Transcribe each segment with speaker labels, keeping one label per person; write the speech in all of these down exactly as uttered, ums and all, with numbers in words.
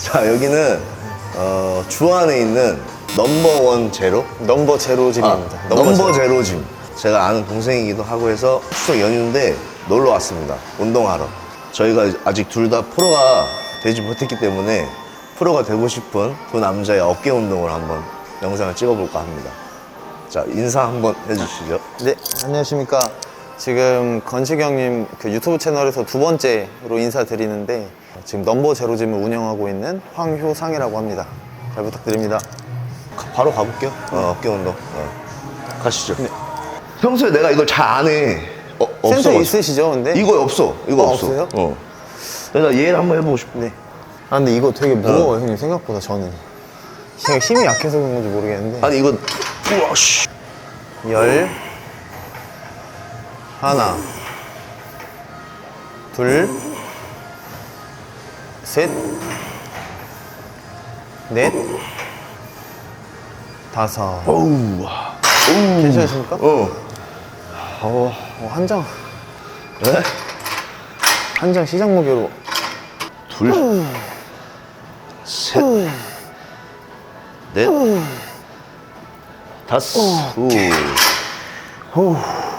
Speaker 1: 자, 여기는 어, 주안에 있는 넘버원 제로?
Speaker 2: 넘버 제로 짐입니다.
Speaker 1: 아, 넘버 제로 짐. 제가 아는 동생이기도 하고 해서 추석 연휴인데 놀러 왔습니다. 운동하러. 저희가 아직 둘 다 프로가 되지 못했기 때문에 프로가 되고 싶은 두 남자의 어깨 운동을 한번 영상을 찍어볼까 합니다. 자, 인사 한번 해주시죠.
Speaker 2: 네, 안녕하십니까. 지금 건식 형님 그 유튜브 채널에서 두 번째로 인사드리는데 지금 넘버 제로 짐을 운영하고 있는 황효상이라고 합니다. 잘 부탁드립니다.
Speaker 1: 가- 바로 가볼게요. 어, 어깨 운동. 어. 가시죠. 평소에 내가 이걸 잘 안 해. 어,
Speaker 2: 센터
Speaker 1: 없어.
Speaker 2: 있으시죠, 근데?
Speaker 1: 이거 없어. 이거
Speaker 2: 어,
Speaker 1: 없어.
Speaker 2: 없어요?
Speaker 1: 어. 그래서 얘를 한번 해보고 싶어.
Speaker 2: 네. 아, 근데 이거 되게 무거워요, 형님, 생각보다 저는. 제가 힘이 약해서 그런 건지 모르겠는데.
Speaker 1: 아니, 이거, 우와, 씨.
Speaker 2: 열, 하나, 둘, 셋, 넷, 다섯.
Speaker 1: 어우, 와.
Speaker 2: 괜찮으십니까?
Speaker 1: 어.
Speaker 2: 어, 어, 한 장,
Speaker 1: 네?
Speaker 2: 한 장 시작 무게로.
Speaker 1: 둘, 셋, 넷, 다섯. 오.
Speaker 2: 후.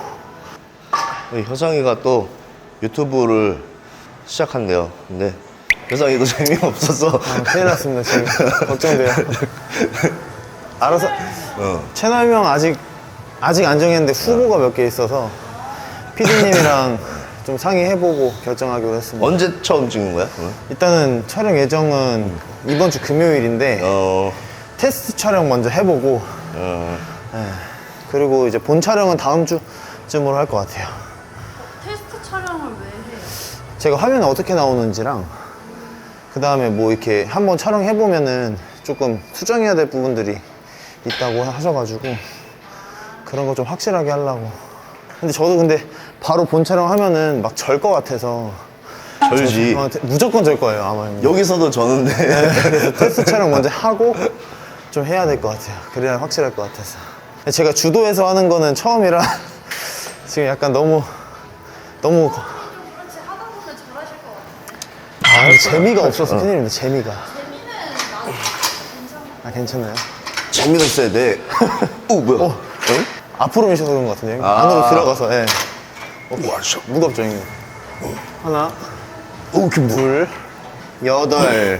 Speaker 1: 효상이가 또 유튜브를 시작한대요. 근데 효상이도 재미없어서.
Speaker 2: 아, 큰일 났습니다, 지금. 걱정돼요. 알아서.
Speaker 1: 어.
Speaker 2: 채널명 아직, 아직 안 정했는데 후보가 몇 개 있어서 피디님이랑 좀 상의해보고 결정하기로 했습니다.
Speaker 1: 언제 처음 찍은 거야? 그러면?
Speaker 2: 일단은 촬영 예정은 이번 주 금요일인데
Speaker 1: 어,
Speaker 2: 테스트 촬영 먼저 해보고
Speaker 1: 어.
Speaker 2: 예, 그리고 이제 본 촬영은 다음 주쯤으로 할 것 같아요.
Speaker 3: 테스트 촬영을 왜 해요?
Speaker 2: 제가 화면에 어떻게 나오는지랑 그 다음에 뭐 이렇게 한번 촬영해보면은 조금 수정해야 될 부분들이 있다고 하셔가지고 그런 거 좀 확실하게 하려고. 근데 저도 근데 바로 본 촬영하면은 막 절 것 같아서
Speaker 1: 절지.
Speaker 2: 어, 무조건 절 거예요 아마.
Speaker 1: 여기서도 저는데.
Speaker 2: 그래서 테스트 촬영 먼저 하고 좀 해야 될 것 같아요. 그래야 확실할 것 같아서. 제가 주도해서 하는 거는 처음이라 지금 약간 너무 너무
Speaker 3: 그렇지 하다 보면 잘하실 것 같아요.
Speaker 2: 아, 근데 재미가 없어서 큰일입니다. 재미가.
Speaker 3: 재미는 나도 괜찮아.
Speaker 2: 아, 괜찮아요?
Speaker 1: 재미가 있어야 돼. 오, 뭐야?
Speaker 2: 어.
Speaker 1: 응?
Speaker 2: 앞으로 미셔서 그런 것 같은데요?
Speaker 1: 아.
Speaker 2: 안으로 들어가서. 예.
Speaker 1: 우와, 씨.
Speaker 2: 무겁죠, 형님? 하나,
Speaker 1: 오, 그 뭐.
Speaker 2: 둘, 여덟,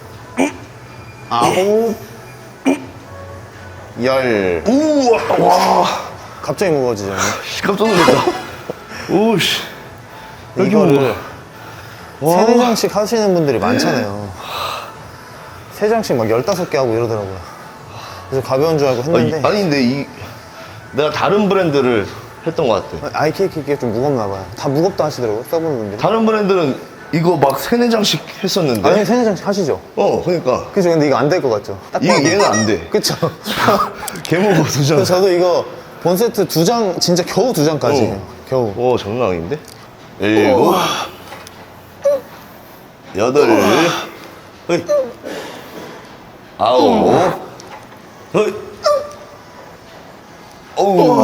Speaker 2: 아홉, 열.
Speaker 1: 우와, 와.
Speaker 2: 갑자기 무거워지죠, 형님?
Speaker 1: 씨, 깜짝 놀랐다. 오, 씨. 여기
Speaker 2: 이거를
Speaker 1: 와.
Speaker 2: 세네 장씩 하시는 분들이 많잖아요. 세 장씩 막 열다섯 개 하고 이러더라고요. 그래서 가벼운 줄 알고
Speaker 1: 아니,
Speaker 2: 했는데
Speaker 1: 아니, 근데 이, 내가 다른 브랜드를 했던 것 같아.
Speaker 2: 아이케이크가 좀 무겁나 봐요. 다 무겁다 하시더라고요, 써보는 분들이.
Speaker 1: 다른 브랜드는 이거 막 세네 장씩 했었는데.
Speaker 2: 아니, 세네 장씩 하시죠?
Speaker 1: 어, 그러니까.
Speaker 2: 그죠? 근데 이거 안 될 것 같죠? 딱
Speaker 1: 이,
Speaker 2: 봐도.
Speaker 1: 얘는 안 돼.
Speaker 2: 그쵸?
Speaker 1: 개무거 두 장.
Speaker 2: 그래서 저도 이거 본 세트 두 장, 진짜 겨우 두 장까지 해요. 겨우.
Speaker 1: 오, 장난 아닌데? 일곱, 여덟, 허이, 아홉, 허이, 어우,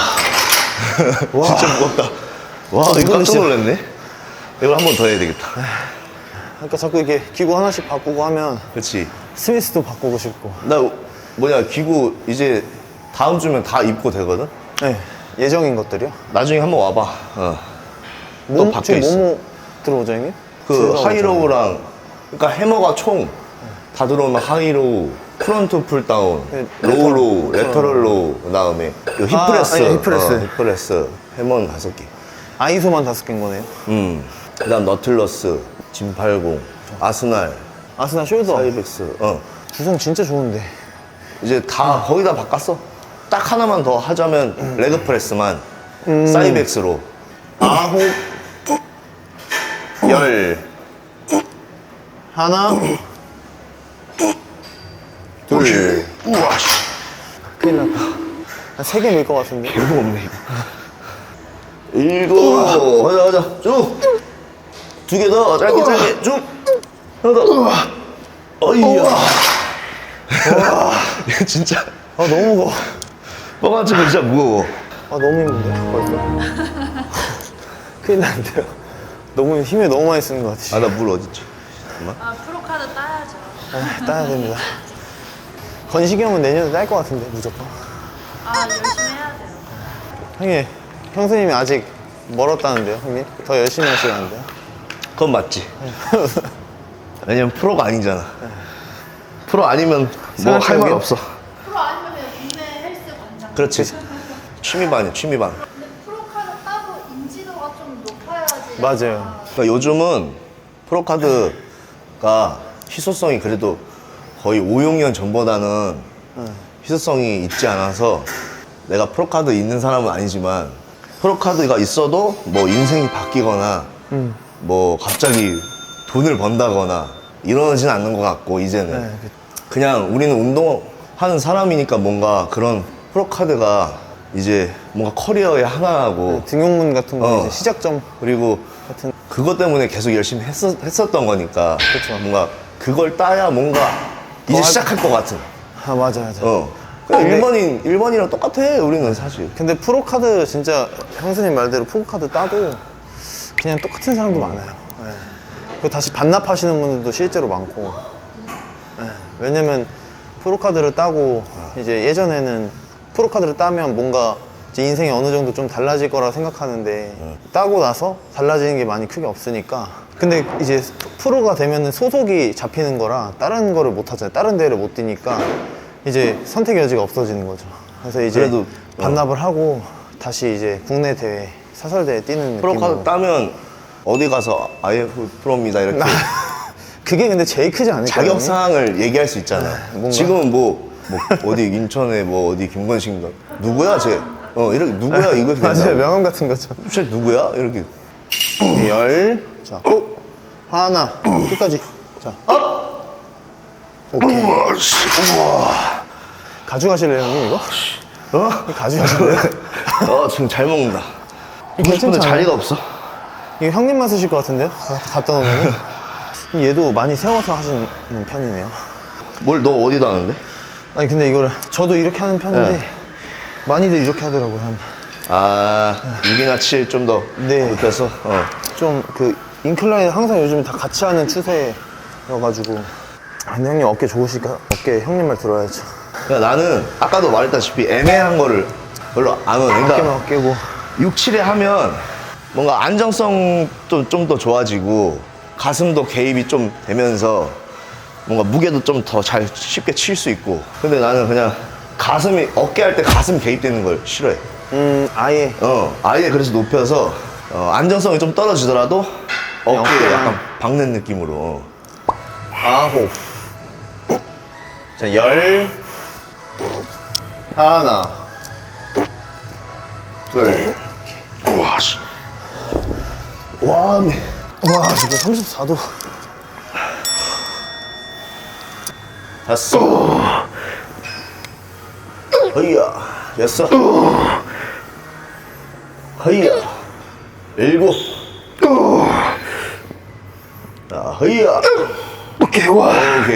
Speaker 1: 진짜 무겁다. 와, 이거 깜짝 놀랐네. 이걸 한 번 더 해야 되겠다.
Speaker 2: 그러니까 자꾸 이렇게 기구 하나씩 바꾸고 하면
Speaker 1: 그렇지.
Speaker 2: 스미스도 바꾸고 싶고.
Speaker 1: 나 뭐냐, 기구 이제 다음 주면 다 입고 되거든?
Speaker 2: 네. 예정인 것들이요?
Speaker 1: 나중에 한번 와봐. 어. 또
Speaker 2: 몸,
Speaker 1: 바뀌어
Speaker 2: 지금
Speaker 1: 있어.
Speaker 2: 뭐뭐 들어오죠, 형님?
Speaker 1: 그
Speaker 2: 들어오죠.
Speaker 1: 하이로우랑, 그러니까 해머가 총 다 들어오면 하이로우, 프론트 풀다운,
Speaker 2: 네,
Speaker 1: 로우 로우,
Speaker 2: 레터럴.
Speaker 1: 레터럴 로우, 그 다음에 그
Speaker 2: 아,
Speaker 1: 힙프레스,
Speaker 2: 아니, 힙프레스.
Speaker 1: 어, 힙프레스, 해머는 다섯 개.
Speaker 2: 아이소만 다섯 개인 거네요.
Speaker 1: 음. 그 다음 너틀러스, 진팔공, 아스날,
Speaker 2: 아스날 숄더.
Speaker 1: 사이벡스. 어.
Speaker 2: 구성 진짜 좋은데.
Speaker 1: 이제 다 거의 다 바꿨어. 딱 하나만 더 하자면
Speaker 2: 음.
Speaker 1: 레그 프레스만 사이벡스로.
Speaker 2: 아홉, 열, 하나, 둘.
Speaker 1: 우와, 씨.
Speaker 2: 큰일 났다. 한 세 개 밀 것 같은데.
Speaker 1: 개무 없네, 이거. 일곱, 가자, 가자. 쭉. 두 개 더, 짧게, 짧게, 쭉. 하나 더. 어이야. 와, 이거 진짜.
Speaker 2: 아, 너무 무거워.
Speaker 1: 뻥한 치고 진짜 무거워.
Speaker 2: 아, 너무 힘든데, 벌써. 큰일 났는데요. 너무 힘을 너무 많이 쓰는 것 같아.
Speaker 1: 아, 나 물 어딨지? 잠깐만.
Speaker 3: 아 프로카드 따야죠.
Speaker 2: 네, 따야 됩니다. 건식이 형은 내년에 딸 것 같은데 무조건.
Speaker 3: 아 열심히 해야 돼요.
Speaker 2: 형님, 형수님이 아직 멀었다는데요, 형님? 더 열심히 하시라는데요?
Speaker 1: 그건 맞지. 왜냐면 프로가 아니잖아. 프로 아니면 뭐 할 말
Speaker 2: 생각해보면-
Speaker 1: 없어.
Speaker 3: 프로 아니면 그냥 국내 헬스 관장.
Speaker 1: 그렇지. 취미반이야, 취미반.
Speaker 3: 근데 프로카드 따로 인지도가 좀 높아야지.
Speaker 2: 맞아요.
Speaker 1: 그러니까 요즘은 프로카드가 희소성이 그래도 거의 오, 육 년 전보다는 희소성이 있지 않아서 내가 프로카드 있는 사람은 아니지만 프로카드가 있어도 뭐 인생이 바뀌거나
Speaker 2: 음.
Speaker 1: 뭐 갑자기 돈을 번다거나 이러진 않는 것 같고 이제는
Speaker 2: 네, 그-
Speaker 1: 그냥 우리는 운동하는 사람이니까 뭔가 그런 프로카드가 이제 뭔가 커리어의 하나하고
Speaker 2: 등용문 같은 거
Speaker 1: 어.
Speaker 2: 이제 시작점
Speaker 1: 그리고
Speaker 2: 같은.
Speaker 1: 그것 때문에 계속 열심히 했었, 했었던 거니까
Speaker 2: 그쵸.
Speaker 1: 뭔가 그걸 따야 뭔가 이제
Speaker 2: 할-
Speaker 1: 시작할 것 같은
Speaker 2: 아, 맞아, 맞아.
Speaker 1: 어 그냥
Speaker 2: 근데-
Speaker 1: 일반인 일반이랑 똑같아 우리는 사실
Speaker 2: 근데 프로카드 진짜 형수님 말대로 프로카드 따도 그냥 똑같은 사람도 많아요. 네. 그 다시 반납하시는 분들도 실제로 많고. 네. 왜냐면 프로카드를 따고 이제 예전에는 프로카드를 따면 뭔가 이제 인생이 어느 정도 좀 달라질 거라 생각하는데 따고 나서 달라지는 게 많이 크게 없으니까. 근데 이제 프로가 되면은 소속이 잡히는 거라 다른 거를 못 하잖아요. 다른 대회를 못 뛰니까 이제 선택 여지가 없어지는 거죠. 그래서 이제
Speaker 1: 그래도,
Speaker 2: 반납을 하고 다시 이제 국내 대회, 사설 대회 뛰는
Speaker 1: 프로카드
Speaker 2: 느낌으로.
Speaker 1: 따면 어디 가서 아이에프 프로입니다 이렇게
Speaker 2: 그게 근데 제일 크지 않을까요?
Speaker 1: 자격 사항을 얘기할 수 있잖아.
Speaker 2: 뭔가?
Speaker 1: 지금은 뭐, 뭐 어디 인천에 뭐 어디 김건식 누구야 쟤? 어 이렇게 누구야 이거
Speaker 2: 맞아요. 명함 같은 거죠.
Speaker 1: 쟤 누구야 이렇게
Speaker 2: 열. 자, 어? 하나. 끝까지. 자, 업! 오케이.
Speaker 1: 우와 씨 우와
Speaker 2: 가져가실래요, 형님, 이거?
Speaker 1: 어?
Speaker 2: 가져가실래요?
Speaker 1: 어 지금 잘 먹는다.
Speaker 2: 괜찮지
Speaker 1: 먹고 싶은데
Speaker 2: 않아요?
Speaker 1: 자리가 없어.
Speaker 2: 이거 형님만 쓰실 것 같은데요? 가- 갖다 놓으면. 얘도 많이 세워서 하시는 편이네요.
Speaker 1: 뭘 너 어디다 하는데?
Speaker 2: 아니, 근데 이거를 저도 이렇게 하는 편인데
Speaker 1: 네.
Speaker 2: 많이들 이렇게 하더라고요. 한.
Speaker 1: 아 육이나 칠 좀 더
Speaker 2: 네.
Speaker 1: 높여서 어.
Speaker 2: 좀 그 인클라인 항상 요즘에 다 같이 하는 추세여가지고. 아, 근데 형님 어깨 좋으시니까 어깨 형님 말 들어야죠.
Speaker 1: 그러니까 나는 아까도 말했다시피 애매한 거를 별로 안 해.
Speaker 2: 어깨만
Speaker 1: 그러니까
Speaker 2: 어깨고.
Speaker 1: 육, 칠에 하면 뭔가 안정성도 좀 더 좋아지고 가슴도 개입이 좀 되면서 뭔가 무게도 좀 더 잘 쉽게 칠 수 있고. 근데 나는 그냥 가슴이 어깨 할 때 가슴 개입되는 걸 싫어해.
Speaker 2: 음, 아예.
Speaker 1: 어 아예 그래서 높여서 어, 안정성이 좀 떨어지더라도 어깨에
Speaker 2: 어깨만.
Speaker 1: 약간 박는 느낌으로.
Speaker 2: 아홉. 자, 열. 하나.
Speaker 1: 둘. 우와 씨. 와, 네.
Speaker 2: 와, 지금 삼십사 도.
Speaker 1: 다섯. 허이야. 여섯. 허이야. 일곱. 자, 허이야. 오케이, 와. 오케이.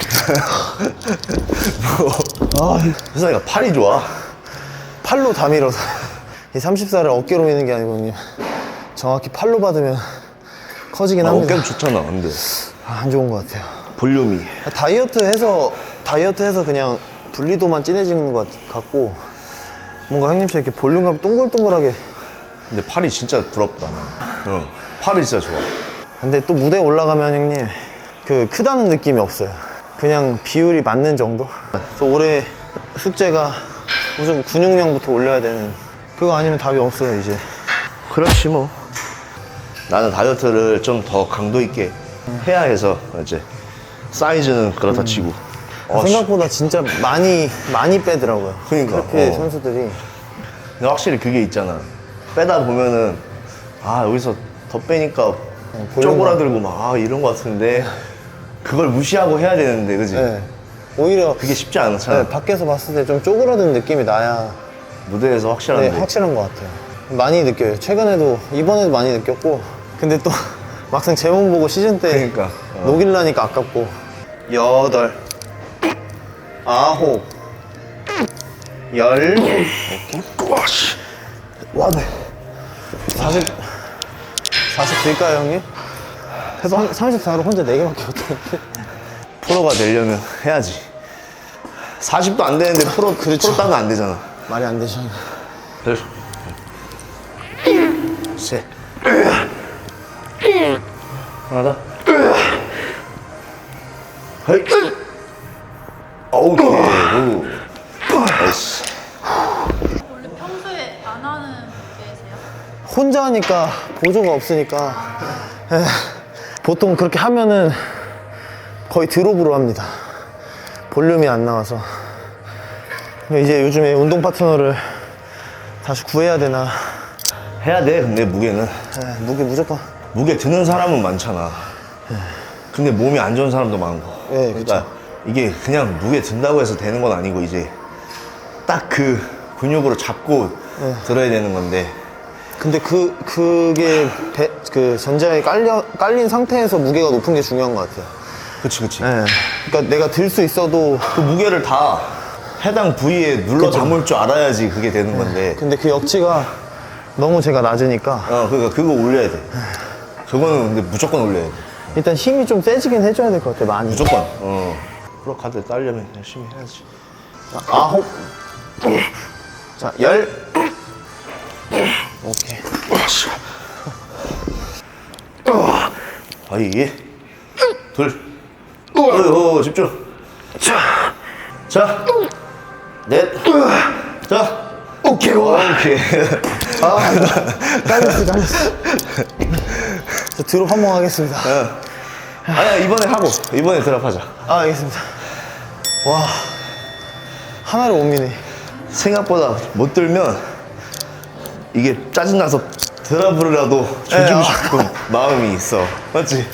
Speaker 1: 뭐, 아, 세상에 팔이 좋아.
Speaker 2: 팔로 다 밀어서. 이 삼십사를 어깨로 미는 게 아니고, 형님. 정확히 팔로 받으면 커지긴
Speaker 1: 아,
Speaker 2: 합니다.
Speaker 1: 어깨는 좋잖아, 근데.
Speaker 2: 아, 안 좋은 것 같아요.
Speaker 1: 볼륨이.
Speaker 2: 다이어트 해서, 다이어트 해서 그냥 분리도만 진해지는 것 같고, 뭔가 형님처럼 이렇게 볼륨감 동글동글하게.
Speaker 1: 근데 팔이 진짜 부럽다. 어, 팔이 진짜 좋아.
Speaker 2: 근데 또 무대에 올라가면 형님, 그 크다는 느낌이 없어요. 그냥 비율이 맞는 정도? 그래서 올해 숙제가 무슨 근육량부터 올려야 되는, 그거 아니면 답이 없어요, 이제.
Speaker 1: 그렇지 뭐. 나는 다이어트를 좀 더 강도 있게 해야 해서 이제 사이즈는 그렇다 치고. 어, 씨.
Speaker 2: 생각보다 진짜 많이, 많이 빼더라고요.
Speaker 1: 그러니까,
Speaker 2: 그렇게
Speaker 1: 어.
Speaker 2: 선수들이.
Speaker 1: 근데 확실히 그게 있잖아. 빼다 보면은 아 여기서 더 빼니까
Speaker 2: 볼륨감.
Speaker 1: 쪼그라들고 막 아, 이런 거 같은데 그걸 무시하고 해야 되는데 그지?
Speaker 2: 네. 오히려
Speaker 1: 그게 쉽지 않잖아.
Speaker 2: 네, 밖에서 봤을 때 좀 쪼그라든 느낌이 나야
Speaker 1: 무대에서 확실한데.
Speaker 2: 네, 확실한 것 같아요. 많이 느껴요. 최근에도, 이번에도 많이 느꼈고. 근데 또 막상 제 몸 보고 시즌 때
Speaker 1: 그러니까, 어.
Speaker 2: 녹일라니까 아깝고. 여덟, 아홉, 열,
Speaker 1: 와 씨. 와 네.
Speaker 2: 사십, 사십 될까요, 형님? 해서 삼십사로 혼자 네 개밖에 못했는데.
Speaker 1: 프로가 되려면 해야지. 사십도 안 되는데 프로,
Speaker 2: 그렇죠.
Speaker 1: 프로 따면 안 되잖아.
Speaker 2: 말이 안 되죠.
Speaker 1: 그래서. 셋. 하나 더. 헤이. 오케이. 오. 나이스.
Speaker 3: 원래 평소에 안 하는 무게세요?
Speaker 2: 혼자 하니까 보조가 없으니까 에, 보통 그렇게 하면은 거의 드롭으로 합니다. 볼륨이 안 나와서. 이제 요즘에 운동 파트너를 다시 구해야 되나.
Speaker 1: 해야 돼, 근데 무게는.
Speaker 2: 에, 무게 무조건.
Speaker 1: 무게 드는 사람은 많잖아. 근데 몸이 안 좋은 사람도 많고.
Speaker 2: 네,
Speaker 1: 그러니까 이게 그냥 무게 든다고 해서 되는 건 아니고 이제 딱 그 근육으로 잡고 들어야 되는 건데.
Speaker 2: 근데 그, 그게 배, 그 전자에 깔려, 깔린 상태에서 무게가 높은 게 중요한 것 같아요.
Speaker 1: 그치, 그치.
Speaker 2: 예. 그러니까 내가 들 수 있어도
Speaker 1: 그 무게를 다 해당 부위에 눌러 담을 줄 알아야지 그게 되는 건데.
Speaker 2: 근데 그 역치가 너무 제가 낮으니까
Speaker 1: 어, 그러니까 그거 올려야 돼. 그거는 근데 무조건 올려야 돼.
Speaker 2: 일단 힘이 좀 세지긴 해줘야 될 것 같아, 많이.
Speaker 1: 무조건. 어. 프로 카드 따려면 열심히 해야지.
Speaker 2: 자, 아홉. 자, 열. 오케이.
Speaker 1: 아이, 둘. 어, 어, 집중. 자, 자, 넷. 자,
Speaker 2: 오케이,
Speaker 1: 오케이.
Speaker 2: 아, 깔렸어, 깔렸어. 저 드롭 한 번 하겠습니다.
Speaker 1: 아니야, 이번에 하고, 이번에 드랍하자.
Speaker 2: 아, 알겠습니다. 와, 하나를 못 미네.
Speaker 1: 생각보다 못 들면 이게 짜증나서 드랍을라도
Speaker 2: 예,
Speaker 1: 조지고
Speaker 2: 아.
Speaker 1: 싶은 마음이 있어. 맞지?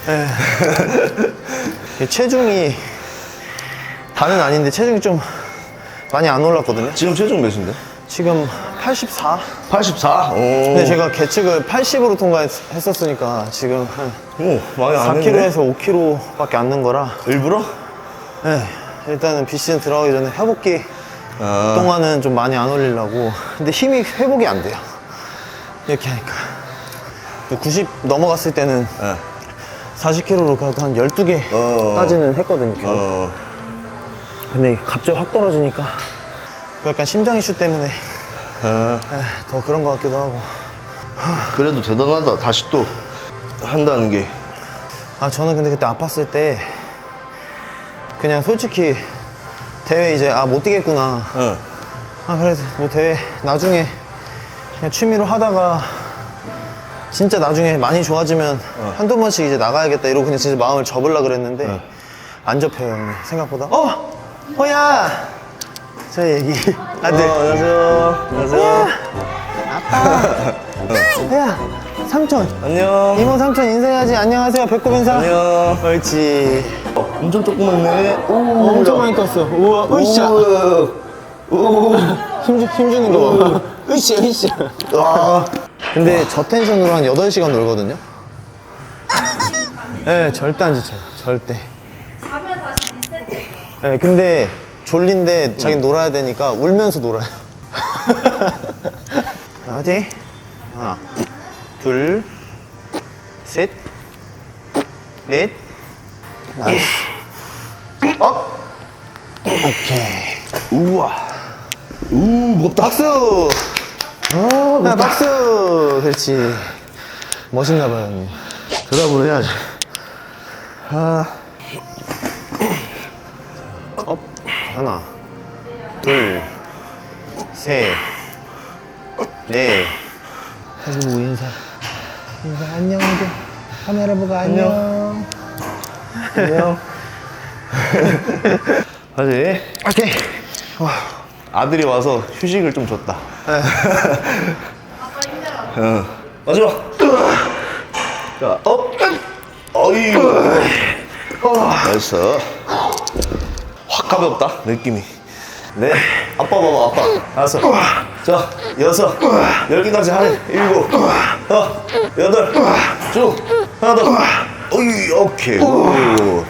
Speaker 2: 이게 체중이 다는 아닌데 체중이 좀 많이 안 올랐거든요.
Speaker 1: 지금 체중 몇인데?
Speaker 2: 지금 팔십사.
Speaker 1: 팔십사? 오.
Speaker 2: 근데 제가 계측을 팔십으로 통과했었으니까 지금 한
Speaker 1: 오, 많이 안
Speaker 2: 사
Speaker 1: 했네.
Speaker 2: 킬로그램에서 오 킬로그램밖에 안 는 거라.
Speaker 1: 일부러?
Speaker 2: 네, 일단은 비시즌 들어가기 전에 회복기
Speaker 1: 아.
Speaker 2: 동안은 좀 많이 안 올리려고. 근데 힘이 회복이 안 돼요. 이렇게 하니까. 구십 넘어갔을 때는
Speaker 1: 어.
Speaker 2: 사십 킬로그램으로 한 열두
Speaker 1: 어.
Speaker 2: 개까지는 했거든요. 겨우.
Speaker 1: 어.
Speaker 2: 근데 갑자기 확 떨어지니까 약간 심장 이슈 때문에
Speaker 1: 아.
Speaker 2: 에, 더 그런 것 같기도 하고.
Speaker 1: 그래도 대단하다. 다시 또 한다는 게.
Speaker 2: 아, 저는 근데 그때 아팠을 때 그냥 솔직히 대회 이제 아 못 뛰겠구나.
Speaker 1: 어.
Speaker 2: 아, 그래서 뭐 대회 나중에 그냥 취미로 하다가 진짜 나중에 많이 좋아지면 한두 번씩 이제 나가야겠다 이러고 그냥 진짜 마음을 접으려고 그랬는데 안 접혀요, 형님. 생각보다. 어! 호야! 저 얘기. 아들.
Speaker 1: 어, 안녕하세요. 안녕하세요.
Speaker 2: 호야! 삼촌.
Speaker 1: 안녕.
Speaker 2: 이모 삼촌 인사해야지. 안녕하세요. 배꼽 인사.
Speaker 1: 안녕.
Speaker 2: 옳지.
Speaker 1: 어, 엄청 조그맣네. 오,
Speaker 2: 엄청 많이 컸어. 우와, 으쌰.
Speaker 1: 오.
Speaker 2: 힘, 힘주는 거 봐. 으쌰, 으쌰.
Speaker 1: 와.
Speaker 2: 근데 저 텐션으로 한 여덟 시간 놀거든요? 예, 네, 절대 안 지쳐요. 절대.
Speaker 3: 가면 다시 리셋돼요.
Speaker 2: 예, 네, 근데 졸린데 자기 놀아야 되니까 울면서 놀아요. 자, 화이팅. 하나, 둘, 셋, 넷, 나이스. 업! 오케이.
Speaker 1: 우와. 우, 무겁다.
Speaker 2: 박수! 아, 박수! 그렇지. 멋있나 봐요, 형님.
Speaker 1: 드랍을 해야지. 아.
Speaker 2: 업. 하나, 둘, 셋, 넷. 아이고, 인사. 인사, 안녕, 이제. 카메라 보고 안녕.
Speaker 1: 안녕. 하지.
Speaker 2: 오케이. 와.
Speaker 1: 아들이 와서 휴식을 좀 줬다.
Speaker 3: 아빠 힘들어.
Speaker 1: 응. 마지막. 자, 업. 어이. 나이스. 확 가볍다, 느낌이. 네. 아빠 봐봐, 아빠. 다섯. 자, 여섯. 열 개까지 하네. 일곱. 어, 여덟. 쭉. 하나 더. 어이, 오케이. 오.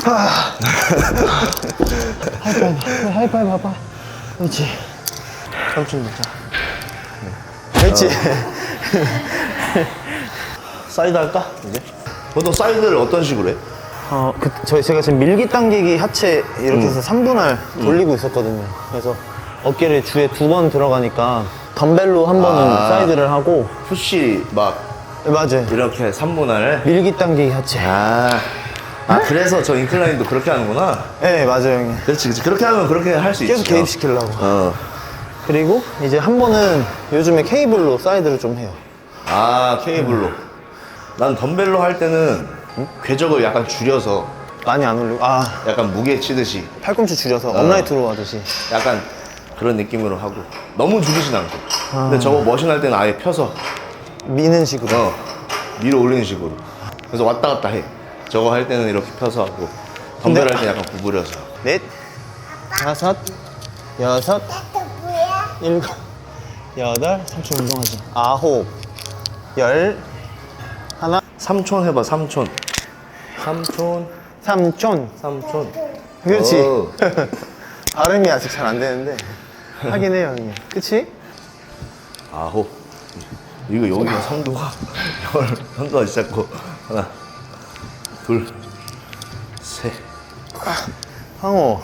Speaker 2: 하이파이브. 하이파이브 봐봐. 그렇지. 삼촌 먹자. 그렇지.
Speaker 1: 사이드 할까? 이제? 보통 사이드를 어떤 식으로 해?
Speaker 2: 어, 그, 저희 제가 지금 밀기 당기기 하체 이렇게 해서 삼 분할 돌리고 있었거든요. 그래서 어깨를 주에 두 번 들어가니까 덤벨로 한 번은
Speaker 1: 아.
Speaker 2: 사이드를 하고.
Speaker 1: 푸시 막
Speaker 2: 네, 맞아요.
Speaker 1: 이렇게 삼 분할.
Speaker 2: 밀기 당기기 하체.
Speaker 1: 아, 아 그래서 저 인클라인도 그렇게 하는구나.
Speaker 2: 네, 맞아요, 형님.
Speaker 1: 그렇지, 그렇지. 그렇게 하면 그렇게 할 수 있지.
Speaker 2: 계속 개입시키려고.
Speaker 1: 어.
Speaker 2: 그리고 이제 한 번은 요즘에 케이블로 사이드를 좀 해요.
Speaker 1: 아, 케이블로. 난 덤벨로 할 때는 궤적을 약간 줄여서
Speaker 2: 많이 안 올리고. 아,
Speaker 1: 약간 무게 치듯이
Speaker 2: 팔꿈치 줄여서 업라이트로 하듯이.
Speaker 1: 약간 그런 느낌으로 하고 너무 줄이진 않고.
Speaker 2: 아.
Speaker 1: 근데 저거 머신 할 때는 아예 펴서
Speaker 2: 미는 식으로.
Speaker 1: 어, 위로 올리는 식으로. 그래서 왔다 갔다 해. 저거 할 때는 이렇게 펴서 하고 덤벨
Speaker 2: 근데-
Speaker 1: 할 때 약간 구부려서.
Speaker 2: 넷, 다섯, 여섯, 일곱, 여덟, 삼촌 운동하지. 아홉, 열, 하나,
Speaker 1: 삼촌 해봐, 삼촌. 삼촌,
Speaker 2: 삼촌.
Speaker 1: 삼촌.
Speaker 2: 그렇지.
Speaker 1: 오.
Speaker 2: 발음이 아직 잘 안 되는데 하긴 해요, 형님. 그치?
Speaker 1: 아홉. 이거 여기가 선도가 열, 선도가 시작고 하나, 둘, 셋.
Speaker 2: 황호.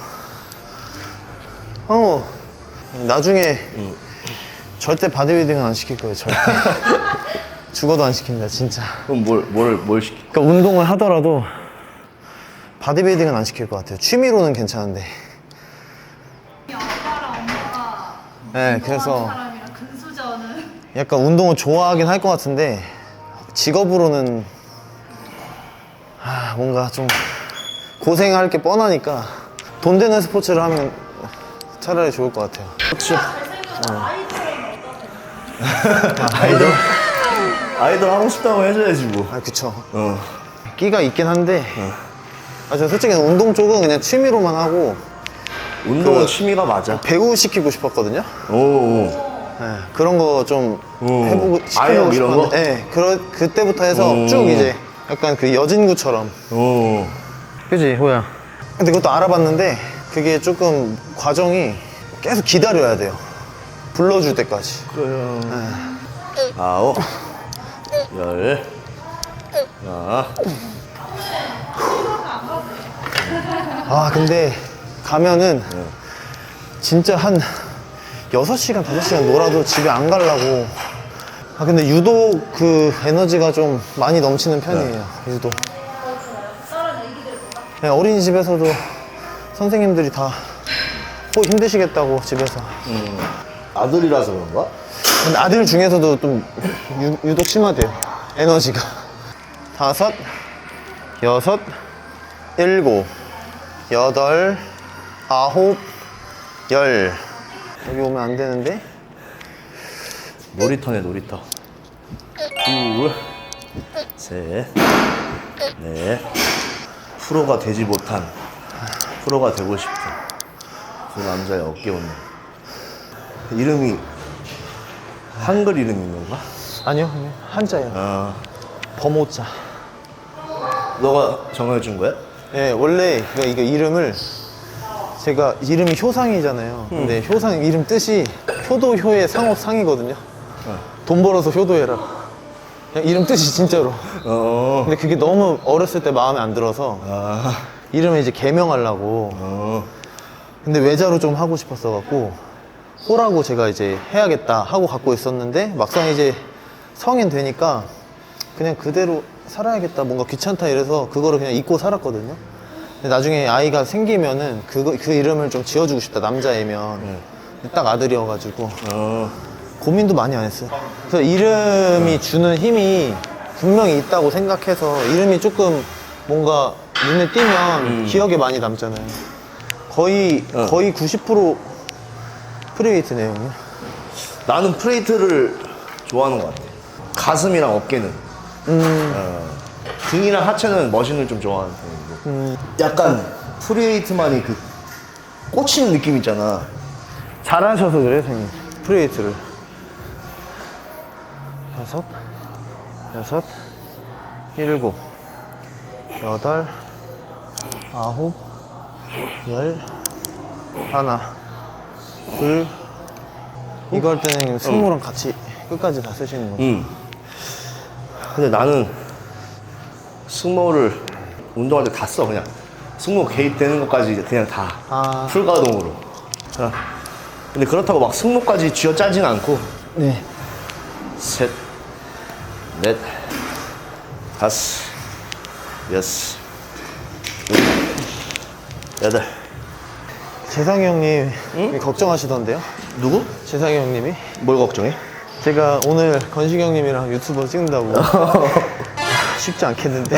Speaker 2: 황호. 나중에 절대 바디빌딩은 안 시킬 거예요, 절대. 죽어도 안 시킵니다, 진짜.
Speaker 1: 그럼 뭘, 뭘, 뭘 시키?
Speaker 2: 그러니까 운동을 하더라도 바디빌딩은 안 시킬 것 같아요. 취미로는 괜찮은데.
Speaker 3: 아빠랑 엄마가
Speaker 2: 네, 그래서
Speaker 3: 사람이랑 근수저는
Speaker 2: 약간 운동을 좋아하긴 할 것 같은데 직업으로는 아, 뭔가 좀 고생할 게 뻔하니까 돈 되는 스포츠를 하면 차라리 좋을 것 같아요. 그렇죠.
Speaker 3: 잘생겨서 아이들은 어떠세요?
Speaker 1: 아이돌? 아이돌 하고 싶다고 해줘야지 뭐.
Speaker 2: 아, 그쵸.
Speaker 1: 어.
Speaker 2: 끼가 있긴 한데 아, 저 솔직히 운동 쪽은 그냥 취미로만 하고
Speaker 1: 운동은
Speaker 2: 그-
Speaker 1: 취미가 맞아.
Speaker 2: 배우 시키고 싶었거든요.
Speaker 1: 오, 오.
Speaker 2: 네, 그런 거 좀
Speaker 1: 오.
Speaker 2: 해보고
Speaker 1: 아역
Speaker 2: 시켜보고
Speaker 1: 이런 거?
Speaker 2: 싶었는데 네, 그러, 그때부터 해서
Speaker 1: 오.
Speaker 2: 쭉 이제 약간 그 여진구처럼.
Speaker 1: 오.
Speaker 2: 그지, 호야. 근데 그것도 알아봤는데 그게 조금 과정이 계속 기다려야 돼요. 불러줄 때까지.
Speaker 1: 그래요. 아홉, 열, 하나.
Speaker 2: 아, 근데 가면은 진짜 한 여섯 시간, 다섯 시간 놀아도 집에 안 가려고. 아, 근데 유독 그 에너지가 좀 많이 넘치는 편이에요, 유독. 네, 어린이집에서도 선생님들이 다 호 힘드시겠다고 집에서.
Speaker 1: 아들이라서 그런가?
Speaker 2: 근데 아들 중에서도 좀 유, 유독 심하대요, 에너지가. 다섯, 여섯, 일곱, 여덟, 아홉, 열. 여기 오면 안 되는데.
Speaker 1: 놀이터네, 놀이터. 둘, 셋, 넷. 프로가 되지 못한, 프로가 되고 싶은 그 남자의 어깨 운동. 이름이 한글 이름인 건가?
Speaker 2: 아니요, 형님. 한자예요.
Speaker 1: 아,
Speaker 2: 범호자.
Speaker 1: 너가 정해준 거야?
Speaker 2: 예, 원래 그 이거 이름을 제가 이름이 효상이잖아요. 근데 효상 이름 뜻이 효도효의 상업 상이거든요. 돈 벌어서 효도해라. 그냥 이름 뜻이 진짜로.
Speaker 1: 어.
Speaker 2: 근데 그게 너무 어렸을 때 마음에 안 들어서
Speaker 1: 아,
Speaker 2: 이름을 이제 개명하려고.
Speaker 1: 어.
Speaker 2: 근데 외자로 좀 하고 싶었어 갖고 호라고 제가 이제 해야겠다 하고 갖고 있었는데 막상 이제 성인 되니까 그냥 그대로 살아야겠다, 뭔가 귀찮다 이래서 그거를 그냥 잊고 살았거든요. 근데 나중에 아이가 생기면은 그거, 그 이름을 좀 지어주고 싶다, 남자애면. 근데 딱 아들이어가지고
Speaker 1: 어.
Speaker 2: 고민도 많이 안 했어요. 그래서 이름이 주는 힘이 분명히 있다고 생각해서 이름이 조금 뭔가 눈에 띄면 기억에 많이 남잖아요. 거의
Speaker 1: 어.
Speaker 2: 거의 구십 퍼센트 프리웨이트네요, 형님.
Speaker 1: 나는 프레이트를 좋아하는 것 같아. 가슴이랑 어깨는.
Speaker 2: 음.
Speaker 1: 어. 등이랑 하체는 머신을 좀 좋아하는 편이고. 약간 프리웨이트만이 그 꽂히는 느낌 있잖아.
Speaker 2: 잘하셔서 그래요, 형님. 프리웨이트를. 다섯, 여섯, 일곱, 여덟, 아홉, 열, 하나, 둘. 이거 할 때는 승모랑 같이 끝까지 다 쓰시는 거죠.
Speaker 1: 응. 근데 나는 승모를 운동할 때 다 써 그냥 승모 개입되는 것까지 그냥 다
Speaker 2: 아.
Speaker 1: 풀가동으로. 자, 근데 그렇다고 막 승모까지 쥐어 짜진 않고
Speaker 2: 네.
Speaker 1: 셋, 넷, 다섯, 여섯, 일곱, 여덟.
Speaker 2: 재상이 형님 걱정하시던데요?
Speaker 1: 누구?
Speaker 2: 재상이 형님이?
Speaker 1: 뭘 걱정해?
Speaker 2: 제가 오늘 건식이 형님이랑 유튜버 찍는다고 쉽지 않겠는데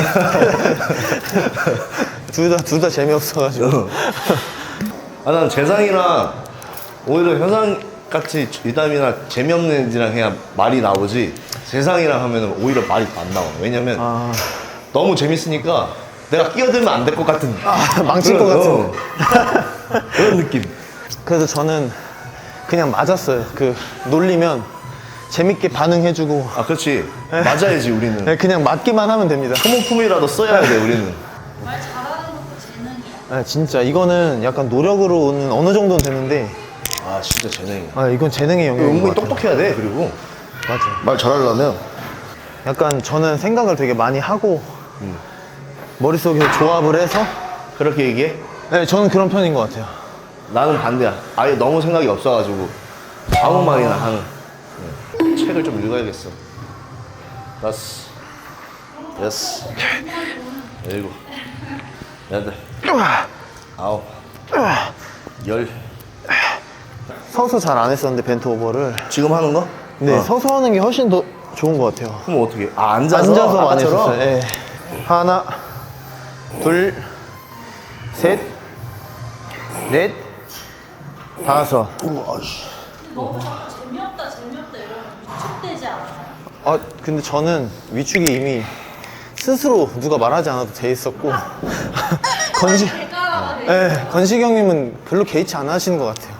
Speaker 2: 둘 다 둘 다 재미없어가지고
Speaker 1: 아, 난 재상이랑 오히려 현상 같이 유담이나 재미없는 애들이랑 그냥 말이 나오지 재상이랑 하면 오히려 말이 안 나와. 왜냐면
Speaker 2: 아,
Speaker 1: 너무 재밌으니까 내가 끼어들면 안 될 것 같은
Speaker 2: 아 망칠 것
Speaker 1: 그런,
Speaker 2: 같은
Speaker 1: 어. 그런 느낌.
Speaker 2: 그래서 저는 그냥 맞았어요. 그 놀리면 재밌게 반응해주고
Speaker 1: 아, 그렇지. 맞아야지 우리는.
Speaker 2: 네, 그냥 맞기만 하면 됩니다.
Speaker 1: 소모품이라도 써야 돼 우리는.
Speaker 3: 말 잘하는 것도 재능이야.
Speaker 2: 네, 진짜 이거는 약간 노력으로는 어느 정도는 되는데
Speaker 1: 아, 진짜 재능이야.
Speaker 2: 아, 이건 재능의 영역인 것
Speaker 1: 은근히
Speaker 2: 같아요.
Speaker 1: 똑똑해야 돼. 그리고
Speaker 2: 맞아요.
Speaker 1: 말 잘하려면
Speaker 2: 약간 저는 생각을 되게 많이 하고 머릿속에서 조합을 해서
Speaker 1: 그렇게 얘기해.
Speaker 2: 네, 저는 그런 편인 것 같아요.
Speaker 1: 나는 반대야. 아예 너무 생각이 없어가지고 아무 말이나 하는. 네. 책을 좀 읽어야겠어. 다섯, 여섯, 일곱, 여덟, 아홉, 열.
Speaker 2: 서서 잘 안 했었는데 벤트 오버를
Speaker 1: 지금 하는 거?
Speaker 2: 근데
Speaker 1: 어.
Speaker 2: 서서 하는 게 훨씬 더 좋은 것 같아요.
Speaker 1: 그럼 어떻게? 아, 앉아서,
Speaker 2: 앉아서 많이
Speaker 1: 아까처럼?
Speaker 2: 했었어요. 예. 하나, 둘, 셋, 넷, 다섯.
Speaker 1: 우와, 씨.
Speaker 3: 너무 자꾸 재미없다 재미없다 이러면 위축되지 않아요?
Speaker 2: 아 근데 저는 위축이 이미 스스로 누가 말하지 않아도 돼 있었고 건식,
Speaker 3: 대가라가 돼.
Speaker 2: 예, 건식 형님은 별로 개의치 안 하시는 것 같아요.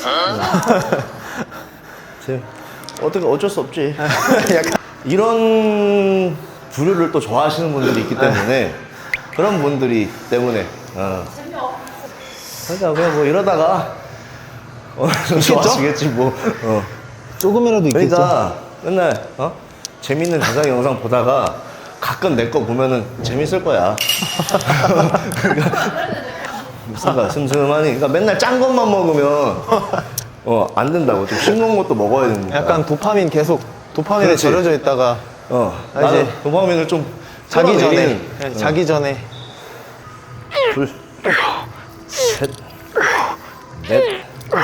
Speaker 1: 제- 어떻게 어쩔 수 없지.
Speaker 2: 약간
Speaker 1: 이런 부류를 또 좋아하시는 분들이 있기 때문에 그런 분들이 때문에 어.
Speaker 3: 재미없어.
Speaker 1: 그러니까 그냥 뭐 이러다가 어, 좀 좋아지겠지 뭐. 어.
Speaker 2: 조금이라도 있겠죠.
Speaker 1: 그러니까 맨날 어? 재밌는 대상 영상 보다가 가끔 내 거 보면은 재밌을 거야. 그러니까 뭔가 슴슴하니. 그러니까 맨날 짠 것만 먹으면 어 안 된다고. 좀 싱거운 것도 먹어야 됩니다.
Speaker 2: 약간 도파민 계속 도파민에
Speaker 1: 그렇지.
Speaker 2: 절여져 있다가
Speaker 1: 어
Speaker 2: 아,
Speaker 1: 나는
Speaker 2: 이제
Speaker 1: 도파민을 좀
Speaker 2: 자기 전에
Speaker 1: 끌어내리는,
Speaker 2: 예,
Speaker 1: 어.
Speaker 2: 자기 전에
Speaker 1: 둘, 셋, 넷,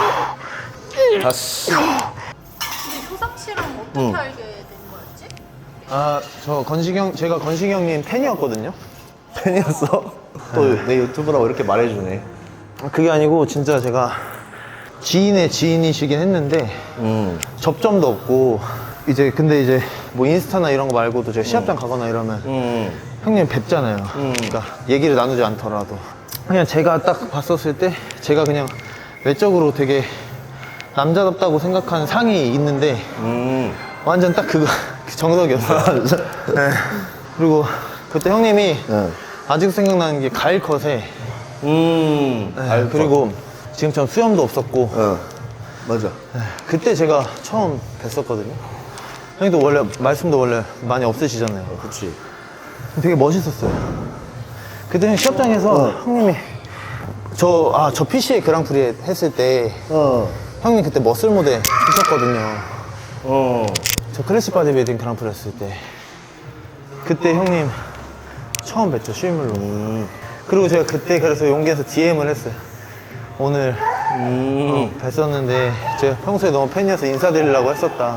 Speaker 1: 다섯.
Speaker 3: 근데 효석 씨랑 어떻게 알게 된 거였지?
Speaker 2: 아 저 건식 형 제가 건식 형님 팬이었거든요.
Speaker 1: 팬이었어? 또 내 유튜브라고 이렇게 말해주네.
Speaker 2: 그게 아니고 진짜 제가 지인의 지인이시긴 했는데
Speaker 1: 음.
Speaker 2: 접점도 없고 이제 근데 이제 뭐 인스타나 이런 거 말고도 제가 시합장 가거나 이러면
Speaker 1: 음.
Speaker 2: 형님 뵙잖아요. 그러니까 얘기를 나누지 않더라도 그냥 제가 딱 봤었을 때 제가 그냥 외적으로 되게 남자답다고 생각하는 상이 있는데
Speaker 1: 음.
Speaker 2: 완전 딱 그거 그 정석이었어요. 네. 그리고 그때 형님이
Speaker 1: 네.
Speaker 2: 아직 생각나는 게 가일 컷에
Speaker 1: 음.
Speaker 2: 네,
Speaker 1: 알것.
Speaker 2: 그리고 지금처럼 수염도 없었고
Speaker 1: 어. 맞아.
Speaker 2: 그때 제가 처음 뵀었거든요. 형님도 원래 말씀도 원래 많이 없으시잖아요.
Speaker 1: 그치.
Speaker 2: 되게 멋있었어요. 그때 형 시합장에서 형님이 저 아 저 피씨에이 그랑프리 했을 때
Speaker 1: 어.
Speaker 2: 형님 그때 머슬 모델 하셨거든요.
Speaker 1: 어.
Speaker 2: 저 클래식 바디빌딩 그랑프리 했을 때 그때 형님 처음 뵀죠 실물로.
Speaker 1: 음.
Speaker 2: 그리고 제가 그때 그래서 용기해서 디엠을 했어요. 오늘
Speaker 1: 음.
Speaker 2: 뵀었는데 제가 평소에 너무 팬이어서 인사드리려고 했었다.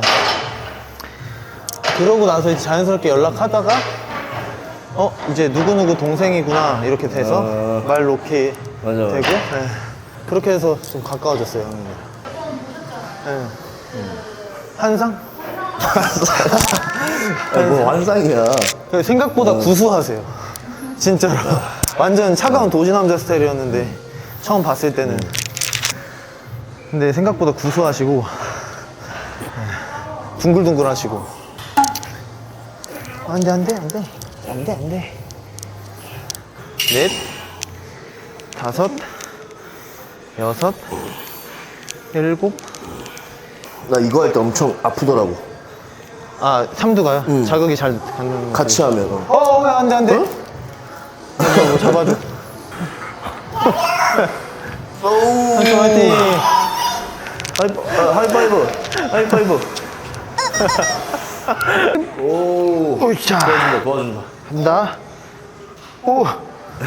Speaker 2: 그러고 나서 이제 자연스럽게 연락하다가 어 이제 누구누구 동생이구나 이렇게 돼서
Speaker 1: 어.
Speaker 2: 말 놓게
Speaker 1: 맞아,
Speaker 2: 되고
Speaker 1: 맞아.
Speaker 2: 네. 그렇게 해서 좀 가까워졌어요 형님. 네. 한상?
Speaker 1: 아, 뭐 환상이야.
Speaker 2: 생각보다 구수하세요. 진짜로. 완전 차가운 도시남자 스타일이었는데 처음 봤을 때는. 근데 생각보다 구수하시고 둥글둥글하시고. 안돼 안돼 안돼 안돼 안돼. 넷, 다섯, 여섯, 일곱.
Speaker 1: 나 이거 할 때 엄청 아프더라고.
Speaker 2: 아 삼두가요? 자극이 잘 가는 거.
Speaker 1: 같이 하면. 어.
Speaker 2: 어, 왜 안 돼, 안 돼? 뭐 잡아줘. 한손 화이팅.
Speaker 1: 하이, 아, 하이파이브. 하이파이브. 오.
Speaker 2: 오이차.
Speaker 1: 도와준다, 도와준다.
Speaker 2: 간다. 오. 오.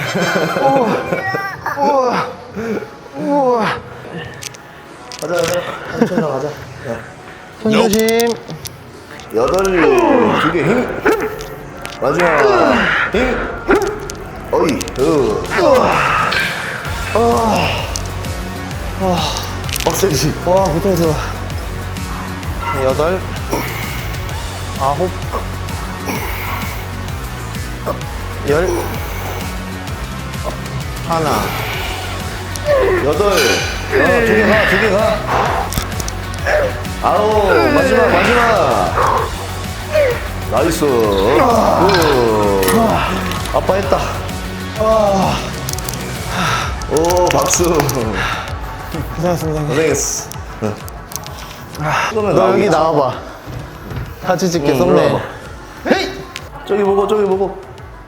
Speaker 2: 우와. 우와.
Speaker 1: 가자, 가자. 천천히 가자.
Speaker 2: 손 조심.
Speaker 1: 여덟, 두 개 힘. 마지막 힘. 어이, 으. 빡세지.
Speaker 2: 와, 고통스러워. 여덟. 아홉. 열. 하나.
Speaker 1: 여덟. 어, 두 개 가, 두 개 가. 아홉, 마지막, 마지막. 나이스. 오. 아빠 했다. 오, 박수.
Speaker 2: 고생하셨습니다.
Speaker 1: 고생했어.
Speaker 2: 너 여기 나와봐. 같이 찍게,
Speaker 1: 응,
Speaker 2: 썸네일.
Speaker 1: 올라와봐. 저기 보고, 저기 보고.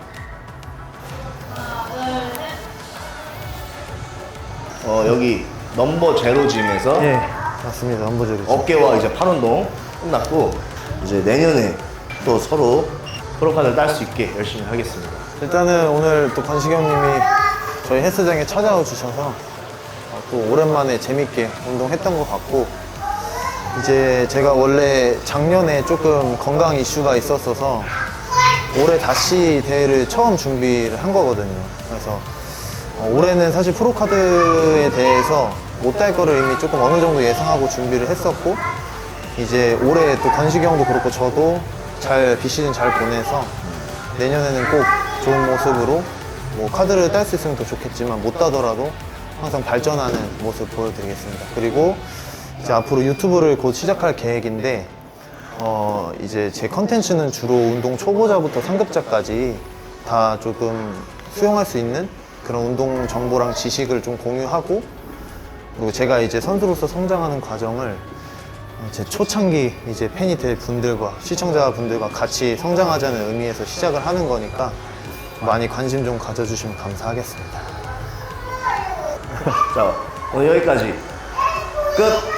Speaker 1: 어, 여기 넘버 제로 짐에서
Speaker 2: 예, 맞습니다. 한보절이죠.
Speaker 1: 어깨와 이제 팔 운동 끝났고, 이제 내년에 또 서로 프로카드를 딸 수 있게 열심히 하겠습니다.
Speaker 2: 일단은 오늘 또 관식이 형님이 저희 헬스장에 찾아와 주셔서 어, 또 오랜만에 재밌게 운동했던 것 같고, 이제 제가 원래 작년에 조금 건강 이슈가 있었어서 올해 다시 대회를 처음 준비를 한 거거든요. 그래서 어, 올해는 사실 프로카드에 대해서 못 딸 거를 이미 조금 어느 정도 예상하고 준비를 했었고, 이제 올해 또 관식이 형도 그렇고 저도 잘 비시즌 잘 보내서 내년에는 꼭 좋은 모습으로 뭐 카드를 딸 수 있으면 더 좋겠지만 못 따더라도 항상 발전하는 모습 보여드리겠습니다. 그리고 이제 앞으로 유튜브를 곧 시작할 계획인데, 어 이제 제 컨텐츠는 주로 운동 초보자부터 상급자까지 다 조금 수용할 수 있는 그런 운동 정보랑 지식을 좀 공유하고, 그리고 제가 이제 선수로서 성장하는 과정을 제 초창기 이제 팬이 될 분들과 시청자분들과 같이 성장하자는 의미에서 시작을 하는 거니까 많이 관심 좀 가져주시면 감사하겠습니다.
Speaker 1: 자, 오늘 여기까지. 끝!